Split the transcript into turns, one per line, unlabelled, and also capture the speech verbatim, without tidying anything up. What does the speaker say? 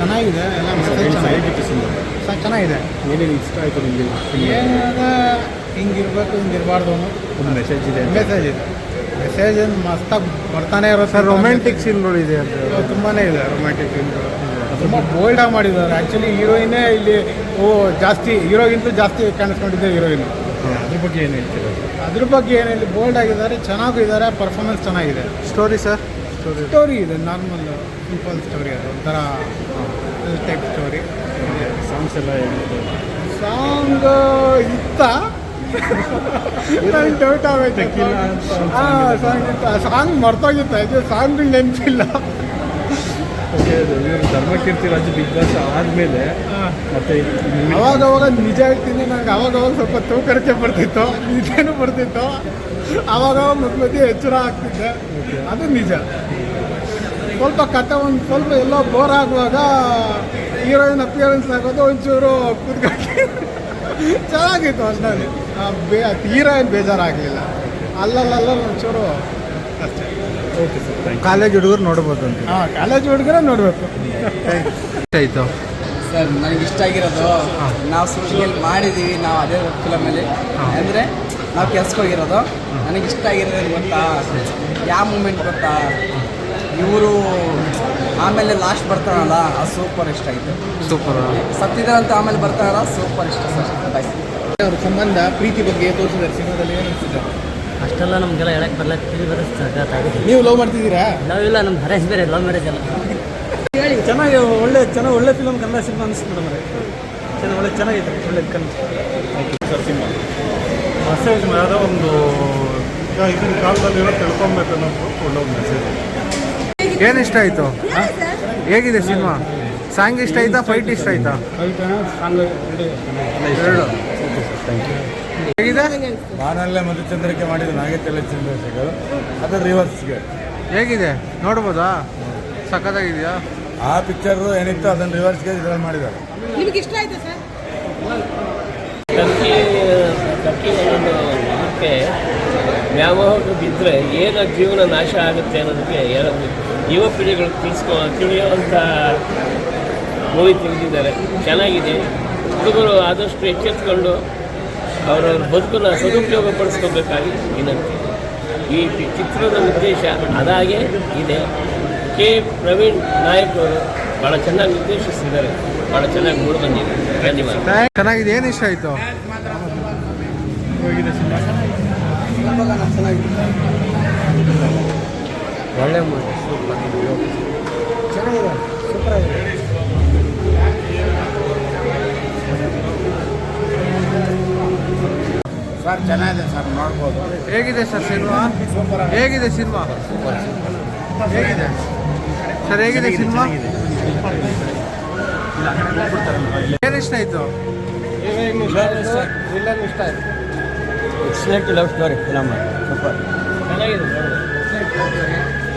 ಚೆನ್ನಾಗಿದೆ, ಎಲ್ಲ ಮೆಸೇಜ್ ಚೆನ್ನಾಗಿತ್ತು. ಸರ್ ಚೆನ್ನಾಗಿದೆ.
ಏನೇನು ಇಷ್ಟ ಆಯಿತು ನಿಮಗೆ?
ಏನಾದ ಹಿಂಗಿರ್ಬೇಕು ಹಿಂಗಿರಬಾರ್ದು ಅನ್ನೋ
ಒಂದು ಮೆಸೇಜ್ ಇದೆ.
ಮೆಸೇಜ್ ಇದೆ. ಮೆಸೇಜ್ ಏನು ಮಸ್ತಾಗಿ ಬರ್ತಾನೆ ಇರೋ
ಸರ್ ರೊಮ್ಯಾಂಟಿಕ್ ಸೀನ್ಗಳು ಇದೆ ಅಂತ
ತುಂಬಾ ಇದೆ. ರೊಮ್ಯಾಂಟಿಕ್ ಸೀನ್ಗಳು ತುಂಬ ಬೋಲ್ಡಾಗಿ ಮಾಡಿದ್ದಾರೆ. ಆ್ಯಕ್ಚುಲಿ ಹೀರೋಯಿನೇ ಇಲ್ಲಿ ಓ ಜಾಸ್ತಿ ಹೀರೋಗಿಂತ ಜಾಸ್ತಿ ಕಾಣಿಸ್ಕೊಂಡಿದ್ದೆ ಹೀರೋಯಿನ್.
ಅದ್ರ ಬಗ್ಗೆ ಏನು ಹೇಳ್ತೀರಾ?
ಅದ್ರ ಬಗ್ಗೆ ಏನಿಲ್ಲ, ಬೋಲ್ಡ್ ಆಗಿದ್ದಾರೆ, ಚೆನ್ನಾಗಿದ್ದಾರೆ, ಪರ್ಫಾರ್ಮೆನ್ಸ್ ಚೆನ್ನಾಗಿದೆ.
Story sir? ಸ್ಟೋರಿ
ಸ್ಟೋರಿ ಇದೆ, ನಾರ್ಮಲ್ ಸಿಂಪಲ್ ಸ್ಟೋರಿ, ಅದು ಒಂಥರ ಟೈಪ್ ಸ್ಟೋರಿ.
ಸಾಂಗ್ಸ್ ಎಲ್ಲ ಹೇಗಿದೆ?
ಸಾಂಗ್ ಇತ್ತ ನನಗೆ ಡೌಟ್ ಆಗೈತೆ. ಹಾಂ ಸಾಂಗ್ ಇತ್ತ, ಸಾಂಗ್ ಮರ್ತೋಗಿತ್ತ, ಇದು ಸಾಂಗ್ ನೆನಪಿಲ್ಲ.
ಓಕೆ, ಇವರು ಧರ್ಮಕೀರ್ತಿ ರಾಜು ಬಿಗ್ ಬಾಸ್ ಆದಮೇಲೆ ಮತ್ತೆ
ಅವಾಗವಾಗ ನಿಜ ಹೇಳ್ತೀನಿ, ನನಗೆ ಅವಾಗವಾಗ ಸ್ವಲ್ಪ ತೂಕರಿಕೆ ಬರ್ತಿತ್ತು, ನಿಜನೂ ಬರ್ತಿತ್ತು. ಅವಾಗವಾಗ ಮಧ್ಯ ಮಧ್ಯೆ ಎಚ್ಚರ ಆಗ್ತಿದ್ದೆ, ಅದು ನಿಜ. ಸ್ವಲ್ಪ ಕತೆ ಒಂದು ಸ್ವಲ್ಪ ಎಲ್ಲೋ ಬೋರ್ ಆಗುವಾಗ ಹೀರೋಯಿನ್ ಅಪಿಯರೆನ್ಸ್ ಆಗೋದು ಒಂಚೂರು ಕೂತ್ಕೊಂಡು ಚೆನ್ನಾಗಿತ್ತು. ಅಷ್ಟಲ್ಲಿ ಬೇ ಹೀರೋಯಿನ್ ಬೇಜಾರಾಗಲಿಲ್ಲ, ಅಲ್ಲಲ್ಲ ಒಂಚೂರು ಅಷ್ಟೇ.
Okay sir, thank you. College ಹುಡುಗರು ನೋಡ್ಬೋದು ಅಂತ?
ಹಾಂ, ಕಾಲೇಜ್ ಹುಡುಗರೇ ನೋಡಬೇಕು.
ಆಯಿತು
ಸರ್, ನನಗೆ ಇಷ್ಟ ಆಗಿರೋದು ನಾವು ಶೂಟಿಂಗ್ ಮಾಡಿದ್ದೀವಿ, ನಾವು ಅದೇ ಫಿಲಮಲ್ಲಿ ಅಂದರೆ ನಾವು ಕೆಲ್ಸಕ್ಕೆ ಹೋಗಿರೋದು. ನನಗೆ ಇಷ್ಟ ಆಗಿರೋದು ಗೊತ್ತಾ, ಯಾವ ಮೂಮೆಂಟ್ ಗೊತ್ತಾ, ಇವರು ಆಮೇಲೆ ಲಾಸ್ಟ್ ಬರ್ತಾರಲ್ಲ, ಅದು ಸೂಪರ್ ಇಷ್ಟ ಆಯಿತು.
ಸೂಪರ್.
ಸತ್ತಿದಾರಂತ ಆಮೇಲೆ ಬರ್ತಾರಲ್ಲ, ಸೂಪರ್ ಇಷ್ಟ ಸರ್. ಬಾಯ್.
ಅವ್ರ ಸಂಬಂಧ ಪ್ರೀತಿ ಬಗ್ಗೆ ತೋರಿಸಿದ್ದಾರೆ ಸಿನಿಮಾದಲ್ಲಿ. ಏನು ಅನಿಸಿದೆ?
ಅಷ್ಟೆಲ್ಲ ನಮಗೆಲ್ಲ ಹೇಳಕ್ಕೆ ಬರಲ್ಲ, ತಿಳಿ ಬರುತ್ತೆ.
ನೀವು ಲವ್ ಮಾಡ್ತಿದ್ದೀರಾ?
ಲವ್ ಇಲ್ಲ, ನಮ್ದು ಹರೇಶ್ ಬೇರೆ, ಲವ್ ಮ್ಯಾರೇಜ್ ಅಲ್ಲ.
ಚೆನ್ನಾಗಿ ಒಳ್ಳೆ ಚೆನ್ನಾಗಿ ಒಳ್ಳೆ ಫಿಲಮ್, ಕನ್ನಡ ಸಿನಿಮಾ ಅನಿಸ್ತು ಮೇಡಮ್. ಚೆನ್ನಾಗಿ ಒಳ್ಳೆ ಚೆನ್ನಾಗಿದೆ, ಒಳ್ಳೆ ಕನ್ನಡ
ಸರ್ ಸಿನಿಮಾ
ಮೆಸೇಜ್ ಯಾವುದೋ ಒಂದು ಈಗಿನ ಕಾಲದಲ್ಲಿರೋ ತಿಳ್ಕೊಬೇಕು ಅನ್ನೋದು ಒಳ್ಳೆ ಒಂದು ಮೆಸೇಜ್.
ಏನು ಇಷ್ಟ ಆಯಿತು? ಹೇಗಿದೆ ಸಿನಿಮಾ? ಸಾಂಗ್ ಇಷ್ಟ ಆಯ್ತಾ, ಫೈಟ್ ಇಷ್ಟ ಆಯ್ತಾ? ಎರಡು. ಹೇಗಿದೆ?
ಬಾನಲ್ಲೇ ಮಧುಚಂದ್ರಿಕೆ ಮಾಡಿದ ನಾಗೇತಲೆ ಚಂದ್ರಶೇಖರ್, ಅದು ರಿವರ್ಸ್ಗೆ.
ಹೇಗಿದೆ ನೋಡ್ಬೋದಾ? ಸಖತ್ತಾಗಿದೆಯಾ?
ಆ ಪಿಕ್ಚರು ಏನಿತ್ತು ಅದನ್ನು ರಿವರ್ಸ್ಗೆ ಇದ್ರಲ್ಲಿ ಮಾಡಿದ್ದಾರೆ.
ನಿಮಗೆ ಇಷ್ಟ ಆಯ್ತಾ ಸರ್?
ಟರ್ಕಿ ಟರ್ಕಿ ಒಂದೊಂದು ಇದಕ್ಕೆ ವ್ಯಾಮೋಹಕ್ಕೆ ಬಿದ್ದರೆ ಏನು ಜೀವನ ನಾಶ ಆಗುತ್ತೆ ಅನ್ನೋದಕ್ಕೆ ಏನೋ ಯುವ ಪೀಳಿಗೆಗಳು ತಿಳಿಸ್ಕೊ ತಿಳಿಯುವಂಥ ಮೂವಿ ತೆಗೆದಿದ್ದಾರೆ. ಚೆನ್ನಾಗಿದೆ. ಹುಡುಗರು ಆದಷ್ಟು ಎಚ್ಚೆತ್ಕೊಂಡು ಅವರವ್ರ ಬದುಕನ್ನು ಸದುಪಯೋಗ ಪಡಿಸ್ಕೋಬೇಕಾಗಿ ವಿನಂತಿ. ಈ ಚಿತ್ರದ ಉದ್ದೇಶ ಅದಾಗೆ ಇದೆ. ಕೆ ಪ್ರವೀಣ್ ನಾಯಕ್ ಅವರು ಭಾಳ ಚೆನ್ನಾಗಿ ನಿರ್ದೇಶಿಸಿದ್ದಾರೆ, ಭಾಳ ಚೆನ್ನಾಗಿ ಮೂಡಿ ಬಂದಿದೆ. ಧನ್ಯವಾದ.
ಚೆನ್ನಾಗಿದೆ. ಏನು ಇಷ್ಟ ಆಯಿತು?
ಹೋಗಿದೆ ಸಿನಿಮಾ ಚೆನ್ನಾಗಿದೆ,
ಒಳ್ಳೆ ಮೂವಿ, ಸೂಪರ್
ಚೆನ್ನಾಗಿದೆ, ಸೂಪರ್ ಆಗಿದೆ.
ಸರ್ ಚೆನ್ನಾಗಿದೆ ಸರ್, ನೋಡ್ಬೋದು.
ಹೇಗಿದೆ ಸರ್ ಸಿನಿಮಾ? ಹೇಗಿದೆ ಸಿನಿಮಾ? ಹೇಗಿದೆ ಸರ್? ಹೇಗಿದೆ ಸಿನಿಮಾ? ಏನು ಇಷ್ಟ ಆಯಿತು?
ವಿಲನ್ ಇಷ್ಟ ಆಯಿತು.
Excellent love story film, super
ಚೆನ್ನಾಗಿದೆ.